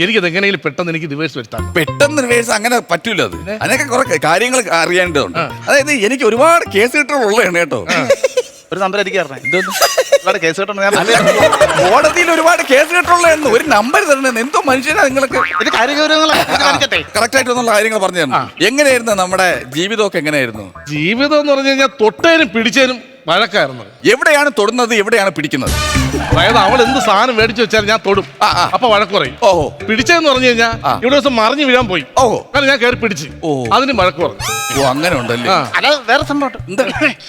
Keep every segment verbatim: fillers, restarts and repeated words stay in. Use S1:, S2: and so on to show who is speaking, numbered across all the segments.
S1: എനിക്കത് എങ്ങനെയെങ്കിലും പെട്ടെന്ന് എനിക്ക് റിവേഴ്സ് വരുത്താം.
S2: പെട്ടെന്ന് റിവേഴ്സ് അങ്ങനെ പറ്റൂല. അത് അതിനൊക്കെ കുറെ കാര്യങ്ങൾ അറിയേണ്ടതുണ്ട്. അതായത് എനിക്ക് ഒരുപാട് കേസ് കിട്ടുള്ളതാണ് കേട്ടോ.
S3: ഒരു നമ്പർ എനിക്ക് ഒരുപാട് കേസ് കിട്ടണം. ഞാൻ
S2: കോടതിയിൽ ഒരുപാട് കേസ് കിട്ടുള്ളതെന്ന് ഒരു നമ്പർ തരണം. എന്തോ മനുഷ്യനാ നിങ്ങൾക്ക്. കറക്റ്റ് ആയിട്ടൊന്നുള്ള കാര്യങ്ങൾ പറഞ്ഞു തരണം. എങ്ങനെയായിരുന്നു നമ്മുടെ ജീവിതമൊക്കെ? എങ്ങനെയായിരുന്നു
S1: ജീവിതം എന്ന് പറഞ്ഞു കഴിഞ്ഞാൽ തൊട്ടേനും പിടിച്ചേനും വഴക്കായിരുന്നു.
S2: എവിടെയാണ് തൊടുന്നത്, എവിടെയാണ് പിടിക്കുന്നത്?
S1: അതായത് അവൾ എന്ത് സാധനം മേടിച്ചു വെച്ചാൽ ഞാൻ തൊടും, അപ്പൊ വഴക്ക് പറയും.
S2: ഓഹോ.
S1: പിടിച്ചെന്ന് പറഞ്ഞു കഴിഞ്ഞാൽ ഇവിടെ ദിവസം മറിഞ്ഞു വീഴാൻ പോയി. ഓഹോ. കാരണം ഞാൻ കയറി പിടിച്ച് അതിന് വഴക്ക് പറഞ്ഞു.
S2: ഓ അങ്ങനെ ഉണ്ടല്ലേ.
S3: അല്ല വേറെ സംഭവം എന്താ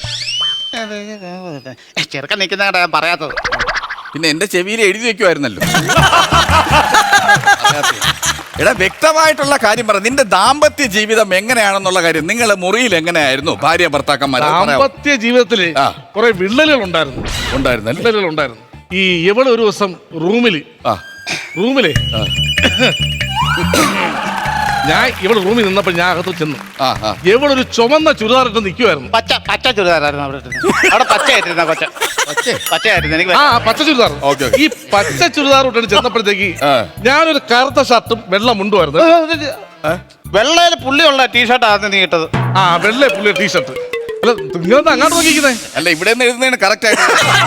S3: ചെറുക്കൻ നിൽക്കുന്ന ഞാൻ പറയാത്തത്.
S2: പിന്നെ എന്റെ ചെവിയിൽ എഴുതി വെക്കുമായിരുന്നല്ലോ. എടാ വ്യക്തമായിട്ടുള്ള കാര്യം പറ. നിന്റെ ദാമ്പത്യ ജീവിതം എങ്ങനെയാണെന്നുള്ള കാര്യം. നിങ്ങളെ മുറിയിൽ എങ്ങനെയായിരുന്നു ഭാര്യ ഭർത്താക്കന്മാർ?
S1: ദാമ്പത്യ ജീവിതത്തില് കുറെ വിള്ളലുകൾ ഉണ്ടായിരുന്നു.
S2: ഉണ്ടായിരുന്നു
S1: വിള്ളലുകൾ ഉണ്ടായിരുന്നു. ഈ എവിടെ ഒരു ദിവസം റൂമില് റൂമിലെ ഞാൻ ഇവിടെ റൂമിൽ നിന്നപ്പോൾ ഞാൻ അകത്ത് ചെന്നു. എവിടെ ഒരു ചുമന്ന ചുരിദാർ ഇട്ട് നിൽക്കുമായിരുന്നു.
S3: പച്ച പച്ച ചുരിദാറായിരുന്നു അവിടെ അവിടെ പച്ചയായിട്ടിരുന്ന കൊച്ച പച്ചയായിരുന്നു എനിക്ക്.
S1: ആ പച്ച ചുരിദാർ. ഈ പച്ച ചുരിദാർ ഇട്ടിട്ട് ചെന്നപ്പോഴത്തേക്ക് ഞാനൊരു കറുത്ത ഷർട്ടും വെള്ള മുണ്ടുമായിരുന്നു.
S3: വെള്ളയിൽ പുള്ളിയുള്ള ടീഷർട്ടായിരുന്നു നീ ഇട്ടത്.
S1: ആ വെള്ള പുള്ളിയ ടീഷർട്ട്. അല്ല നിങ്ങൾ അങ്ങോട്ട് നോക്കിക്കുന്നേ.
S2: അല്ല ഇവിടെ നിന്ന് എഴുതുന്നതാണ് കറക്റ്റ് ആയിട്ട്.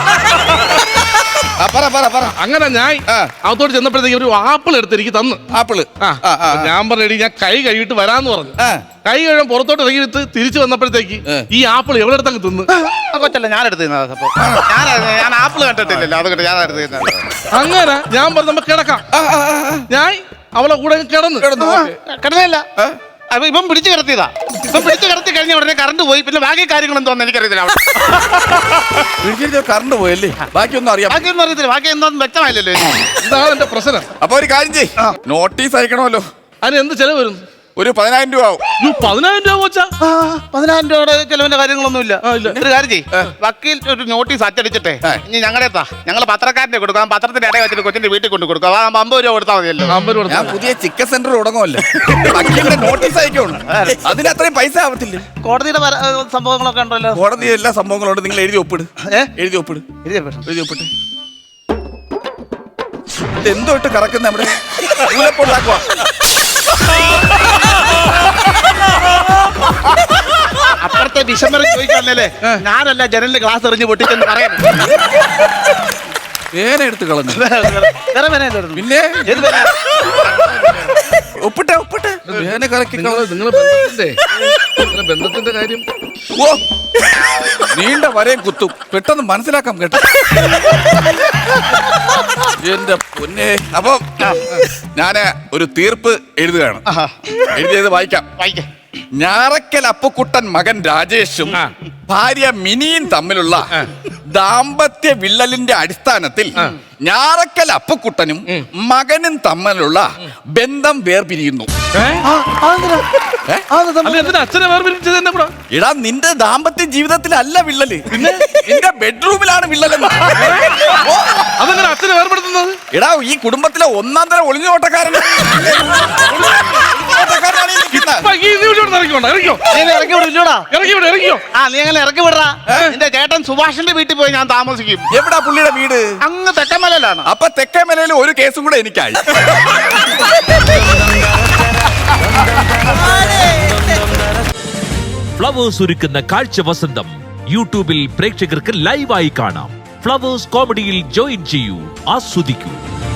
S1: അങ്ങനെ ഞാൻ അകത്തോട്ട് ചെന്നപ്പോഴത്തേക്ക് ഒരു ആപ്പിൾ എടുത്ത് എനിക്ക് തന്നു.
S2: ആപ്പിള്
S1: ഞാൻ പറഞ്ഞു ഞാൻ കൈ കഴുകിട്ട് വരാന്ന് പറഞ്ഞു. കൈ കഴുകാൻ പുറത്തോട്ട് ഇറങ്ങിയിട്ട് തിരിച്ചു വന്നപ്പോഴത്തേക്ക് ഈ ആപ്പിൾ എവിടെ എടുത്തങ്ങ് തിന്ന്.
S3: കൊച്ചല്ല ഞാൻ എടുത്ത് ഞാൻ ആപ്പിൾ കണ്ടിട്ടില്ലല്ലോ, അതുകൊണ്ട് ഞാൻ എടുത്ത്.
S1: അങ്ങനെ ഞാൻ പറഞ്ഞു നമുക്ക് കിടക്കാം. ഞാൻ അവളെ കൂടെ കിടന്നു
S3: കിടന്നു കിടന്നില്ല. അപ്പൊ ഇപ്പം പിടിച്ചു കിടത്തിയതാ. ഇപ്പം പിടിച്ചു കിടത്തി കഴിഞ്ഞ ഉടനെ കറണ്ട് പോയി. പിന്നെ ബാക്കി കാര്യങ്ങൾ എന്തോന്ന് എനിക്കറിയത്തില്ല.
S2: കറണ്ട് പോയല്ലേ? ബാക്കിയൊന്നും അറിയാം.
S3: ബാക്കിയൊന്നും അറിയത്തില്ല. ബാക്കി എന്തോന്നും വ്യക്തമായില്ലല്ലോ.
S1: എന്താണ് എന്റെ പ്രശ്നം.
S2: അപ്പൊ ഒരു കാര്യം ചെയ്യ്, നോട്ടീസ് അയക്കണമല്ലോ.
S1: അതിന് എന്ത് ചെലവ് വരും?
S2: ഒരു പതിനായിരം രൂപ ആവും.
S1: പതിനായിരം രൂപ വെച്ചാ
S3: പതിനായിരം രൂപയുടെ ചെലവിന്റെ കാര്യങ്ങളൊന്നും ഇല്ല. ഒരു കാര്യം ചെയ്യ്, വക്കീൽ ഒരു നോട്ടീസ് അച്ചടിച്ചിട്ടെ ഇനി ഞങ്ങളുടെ എത്താ ഞങ്ങൾ പത്രക്കാരനെ കൊടുക്കാം. പത്രത്തിന്റെ ഇടയിൽ വെച്ചിട്ട് കൊച്ചിന്റെ വീട്ടിൽ കൊണ്ട് കൊടുക്കാം. അമ്പത് രൂപ കൊടുത്താൽ മതിയല്ലോ.
S2: ഞാൻ പുതിയ ചിക്കൻ സെന്റർ തുടങ്ങുമല്ലേ, വക്കീലിന്റെ നോട്ടീസ് അയക്കുള്ളൂ. അതിന് അത്രയും പൈസ ആവത്തില്ല.
S3: കോടതിയുടെ സംഭവങ്ങളൊക്കെ ഉണ്ടല്ലോ.
S2: കോടതി എല്ലാ സംഭവങ്ങളുണ്ട്. നിങ്ങൾ എഴുതി ഒപ്പിട്. എഴുതി ഒപ്പിട്. എഴുതി ഒപ്പിട്ട്. എന്തോ ഇട്ട് കറക്കുന്ന നമ്മുടെ ഉണ്ടാക്കുക.
S3: അപ്പുറത്തെ വിഷമം ചോദിക്കാന്നല്ലേ ഞാനല്ല ജനലിന്റെ ഗ്ലാസ് എറിഞ്ഞ് പൊട്ടിച്ചെന്ന് പറയാൻ.
S2: വേന എടുത്ത് കളഞ്ഞു. പിന്നെ ഒപ്പിട്ടെ ഒപ്പിട്ടെ വേന കറക്കി.
S1: നിങ്ങളെ ബന്ധത്തിന്റെ ബന്ധത്തിന്റെ കാര്യം
S2: ഓ നീണ്ട വരയും കുത്തും. പെട്ടെന്ന് മനസ്സിലാക്കാം കേട്ടോ എന്റെ പൊന്നെ. അപ്പൊ ഞാന് ഒരു തീർപ്പ് എഴുതുകയാണ്. എഴുതിയത് വായിക്കാം.
S3: വായിക്കാം.
S2: ഞാറക്കൽ അപ്പുക്കുട്ടൻ മകൻ രാജേഷും ഭാര്യ മിനിയും തമ്മിലുള്ള ദാമ്പത്യ വിള്ളലിന്റെ അടിസ്ഥാനത്തിൽ ഞാറക്കൽ അപ്പുക്കുട്ടനും മകനും തമ്മിലുള്ള ബന്ധം വേർപിരിയുന്നു. എടാ നിന്റെ ദാമ്പത്യ ജീവിതത്തിലല്ല വിള്ളല്, നിന്റെ ബെഡ്റൂമിലാണ് വിള്ളലെന്ന്.
S1: അതെങ്ങനെ അച്ഛനെ വേർപെടുത്തുന്നത്?
S2: എടാ ഈ കുടുംബത്തിലെ ഒന്നാം തരം ഒളിഞ്ഞോട്ടക്കാരൻ
S3: നിന്റെ ചേട്ടൻ സുഭാഷിന്റെ വീട്ടിൽ പോയി ഞാൻ താമസിക്കും.
S2: എവിടാ പുള്ളിയുടെ വീട്?
S3: അങ്ങ് തെക്കമലയിലാണ്.
S2: അപ്പൊ തെക്കമലയിൽ ഒരു കേസും കൂടെ എനിക്കായി.
S4: ഫ്ലവേഴ്സ് ഒരുക്കുന്ന കാഴ്ച വസന്തം യൂട്യൂബിൽ പ്രേക്ഷകർക്ക് ലൈവായി കാണാം. ഫ്ലവേഴ്സ് കോമഡിയിൽ ജോയിൻ ചെയ്യൂ, ആസ്വദിക്കൂ.